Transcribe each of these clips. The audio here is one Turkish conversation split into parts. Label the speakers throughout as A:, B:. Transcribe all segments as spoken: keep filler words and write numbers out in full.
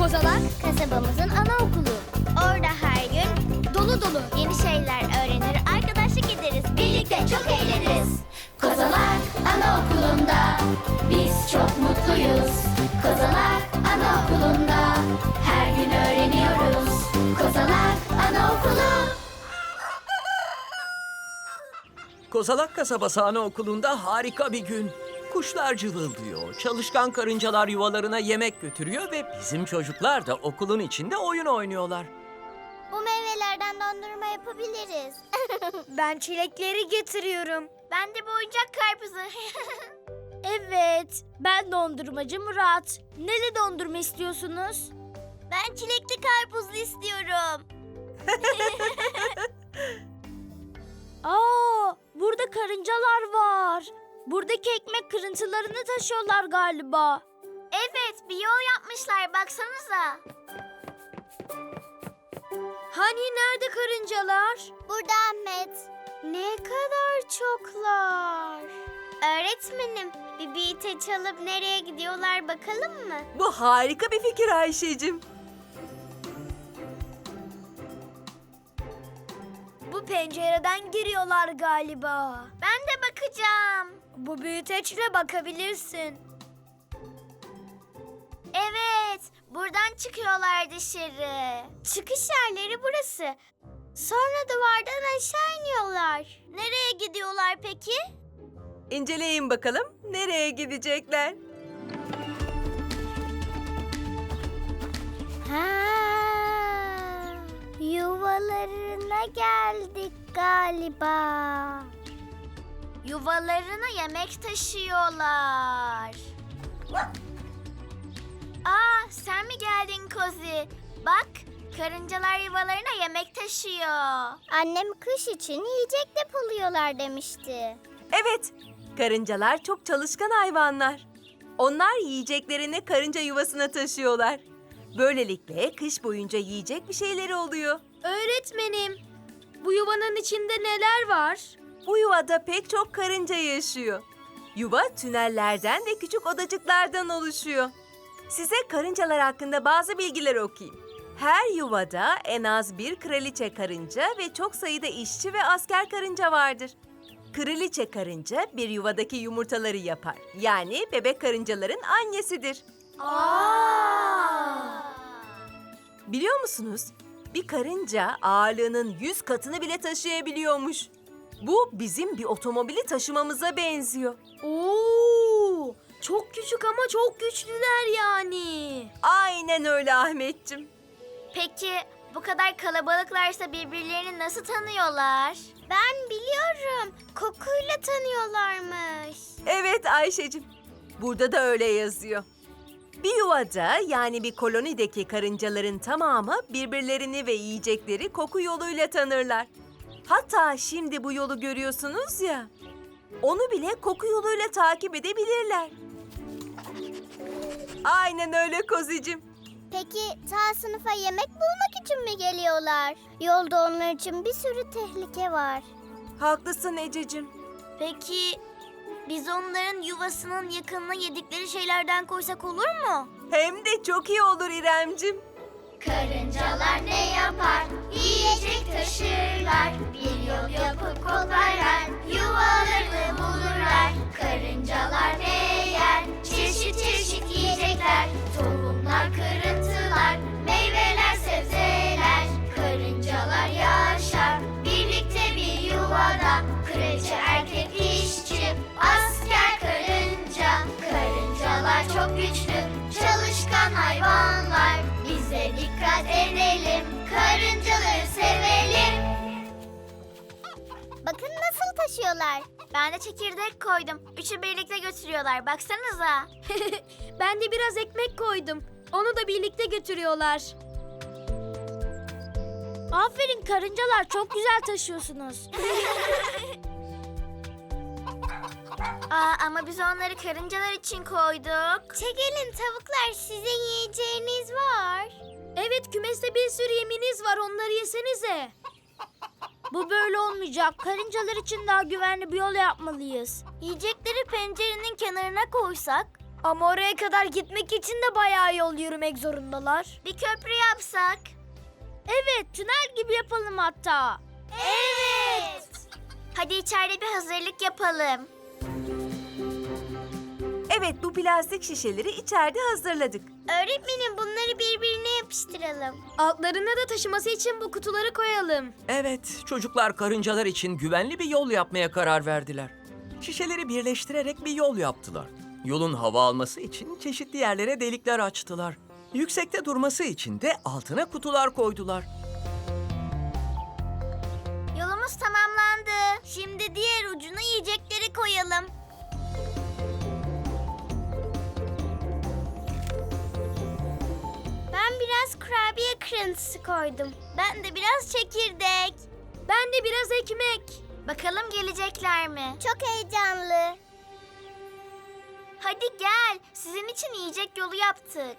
A: Kozalak kasabamızın anaokulu. Orada her gün dolu dolu yeni şeyler öğrenir, arkadaşlık ederiz. Birlikte çok eğleniriz. Kozalak Anaokulu'nda biz çok mutluyuz. Kozalak Anaokulu'nda her gün öğreniyoruz. Kozalak Anaokulu.
B: Kozalak Kasabası Anaokulu'nda harika bir gün. Kuşlar cıvıldıyor, çalışkan karıncalar yuvalarına yemek götürüyor ve bizim çocuklar da okulun içinde oyun oynuyorlar.
A: Bu meyvelerden dondurma yapabiliriz.
C: Ben çilekleri getiriyorum.
A: Ben de bu oyuncak karpuzu.
C: Evet, ben dondurmacı Murat. Neli dondurma istiyorsunuz?
A: Ben çilekli karpuzlu istiyorum.
C: Aa, burada karıncalar var. Buradaki ekmek kırıntılarını taşıyorlar galiba.
A: Evet, bir yol yapmışlar, baksanıza.
C: Hani nerede karıncalar?
A: Burada Ahmet.
C: Ne kadar çoklar.
A: Öğretmenim, bir beat'e çalıp nereye gidiyorlar bakalım mı?
D: Bu harika bir fikir Ayşe'cim.
C: Bu pencereden giriyorlar galiba.
A: Ben de bakacağım.
C: Bu büyüteçle bakabilirsin.
A: Evet, buradan çıkıyorlar dışarı. Çıkış yerleri burası. Sonra duvardan aşağı iniyorlar. Nereye gidiyorlar peki?
D: İnceleyin bakalım nereye gidecekler.
A: Ha, yuvalarına geldik galiba. Yuvalarına yemek taşıyorlar. Aa, sen mi geldin Kozi? Bak, karıncalar yuvalarına yemek taşıyor. Annem kış için yiyecek depoluyorlar demişti.
D: Evet, karıncalar çok çalışkan hayvanlar. Onlar yiyeceklerini karınca yuvasına taşıyorlar. Böylelikle kış boyunca yiyecek bir şeyleri oluyor.
C: Öğretmenim, bu yuvanın içinde neler var?
D: Bu yuvada pek çok karınca yaşıyor. Yuva tünellerden ve küçük odacıklardan oluşuyor. Size karıncalar hakkında bazı bilgiler okuyayım. Her yuvada en az bir kraliçe karınca ve çok sayıda işçi ve asker karınca vardır. Kraliçe karınca bir yuvadaki yumurtaları yapar. Yani bebek karıncaların annesidir.
C: Aa!
D: Biliyor musunuz? Bir karınca ağırlığının yüz katını bile taşıyabiliyormuş. Bu bizim bir otomobili taşımamıza benziyor.
C: Oo! Çok küçük ama çok güçlüler yani.
D: Aynen öyle Ahmetciğim.
A: Peki bu kadar kalabalıklarsa birbirlerini nasıl tanıyorlar? Ben biliyorum. Kokuyla tanıyorlarmış.
D: Evet Ayşe'cim. Burada da öyle yazıyor. Bir yuvada yani bir kolonideki karıncaların tamamı birbirlerini ve yiyecekleri koku yoluyla tanırlar. Hatta şimdi bu yolu görüyorsunuz ya, onu bile koku yoluyla takip edebilirler. Aynen öyle Kozicim.
A: Peki ta sınıfa yemek bulmak için mi geliyorlar? Yolda onlar için bir sürü tehlike var.
D: Haklısın Ececiğim.
A: Peki biz onların yuvasının yakınına yedikleri şeylerden koysak olur mu?
D: Hem de çok iyi olur İremcim.
A: Karıncalar ne yapar? Yiyecek taşırlar. Bir yol yapıp koparlar. Yuvalarını bulurlar. Karıncalar ne yer? Çeşit çeşit yiyecekler. Tohumlar, kırıntılar, meyveler, sebzeler. Karıncalar yaşar birlikte bir yuvada. Kraliçe, erkek, işçi, asker, karınca. Karıncalar çok güçlü, çalışkan hayvanlar. Biz de dikkat edelim, karıncaları sevelim. Bakın nasıl taşıyorlar. Ben de çekirdek koydum. Üçü birlikte götürüyorlar. Baksanıza.
C: Ben de biraz ekmek koydum. Onu da birlikte götürüyorlar. Aferin karıncalar, çok güzel taşıyorsunuz.
A: Aa, ama biz onları karıncalar için koyduk. Çekilin tavuklar, sizin yiyeceğiniz var.
C: Evet, kümeste bir sürü yeminiz var, onları yesenize. Bu böyle olmayacak. Karıncalar için daha güvenli bir yol yapmalıyız.
A: Yiyecekleri pencerenin kenarına koysak?
C: Ama oraya kadar gitmek için de bayağı yol yürümek zorundalar.
A: Bir köprü yapsak.
C: Evet, tünel gibi yapalım hatta.
A: Evet. Hadi içeride bir hazırlık yapalım.
D: Evet, bu plastik şişeleri içeride hazırladık.
A: Öğretmenim bunları birbirine yapıştıralım.
C: Altlarına da taşıması için bu kutuları koyalım.
B: Evet, çocuklar karıncalar için güvenli bir yol yapmaya karar verdiler. Şişeleri birleştirerek bir yol yaptılar. Yolun hava alması için çeşitli yerlere delikler açtılar. Yüksekte durması için de altına kutular koydular.
A: Yolumuz tamamlandı. Şimdi diğer ucuna yiyecekleri koyalım. Ben biraz kurabiye kırıntısı koydum. Ben de biraz çekirdek.
C: Ben de biraz ekmek.
A: Bakalım gelecekler mi? Çok heyecanlı. Hadi gel. Sizin için yiyecek yolu yaptık.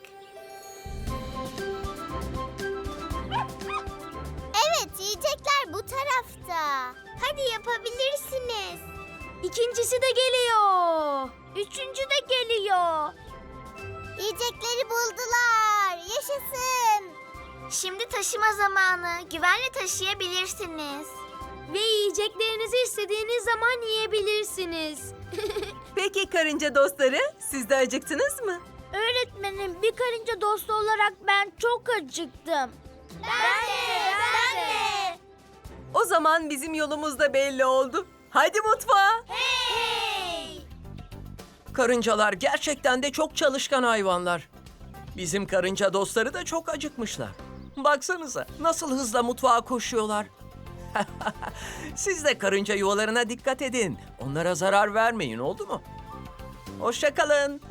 A: Evet, yiyecekler bu tarafta. Hadi yapabilirsiniz.
C: İkincisi de geliyor. Üçüncü de geliyor.
A: Yiyecekleri buldular. Yaşasın. Şimdi taşıma zamanı. Güvenle taşıyabilirsiniz.
C: Ve yiyeceklerinizi istediğiniz zaman yiyebilirsiniz.
D: Peki karınca dostları, siz de acıktınız mı?
C: Öğretmenim, bir karınca dostu olarak ben çok acıktım.
A: Ben de, ben de.
D: O zaman bizim yolumuz da belli oldu. Hadi mutfağa.
A: Hey!
B: Karıncalar gerçekten de çok çalışkan hayvanlar. Bizim karınca dostları da çok acıkmışlar. Baksanıza nasıl hızla mutfağa koşuyorlar. Siz de karınca yuvalarına dikkat edin. Onlara zarar vermeyin, oldu mu? Hoşça kalın.